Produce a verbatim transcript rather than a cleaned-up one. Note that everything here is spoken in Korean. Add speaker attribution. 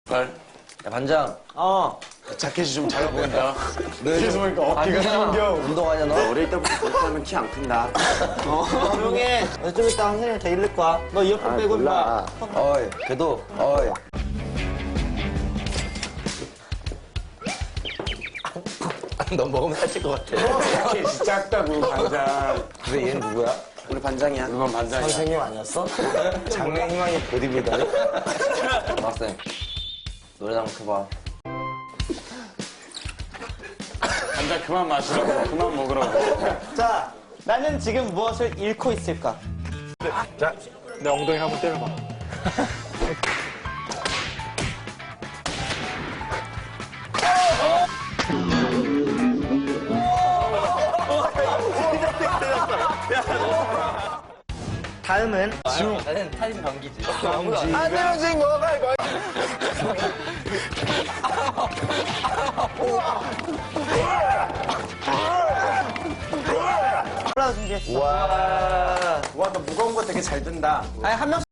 Speaker 1: 야, 반장.
Speaker 2: 어.
Speaker 3: 자켓이 좀 작아 보인다. 뒤에서 보니까 어깨가 생겨.
Speaker 1: 운동하냐, 너?
Speaker 3: 어릴 때부터 그렇게 하면 키 안 큰다.
Speaker 2: 어. 조용히 해. 좀 이따 선생님 다 잃을 거야. 너 이어폰 빼고 임마.
Speaker 1: 어이, 걔도, 어이. 너 먹으면 살찔 것 같아.
Speaker 3: 자켓이 작다고, 반장.
Speaker 1: 근데 얘는 누구야?
Speaker 3: 우리 반장이야. 그건 반장이야.
Speaker 2: 선생님 아니었어?
Speaker 1: 장래 희망이 보디빌더니? 학생, 노래나 한번 켜봐.
Speaker 3: 반장 그만 마시라고, 그만 먹으라고.
Speaker 2: 자, 나는 지금 무엇을 잃고 있을까?
Speaker 3: 자, 내 엉덩이 한번 때려봐.
Speaker 2: 다음은
Speaker 1: 나는 타임 경기지.
Speaker 3: 안 되면 진 거가 이거.
Speaker 2: 콜라 준비했어.
Speaker 1: 와.
Speaker 3: 와, 너 무거운 거 되게 잘 든다.
Speaker 2: 아니, 한 명씩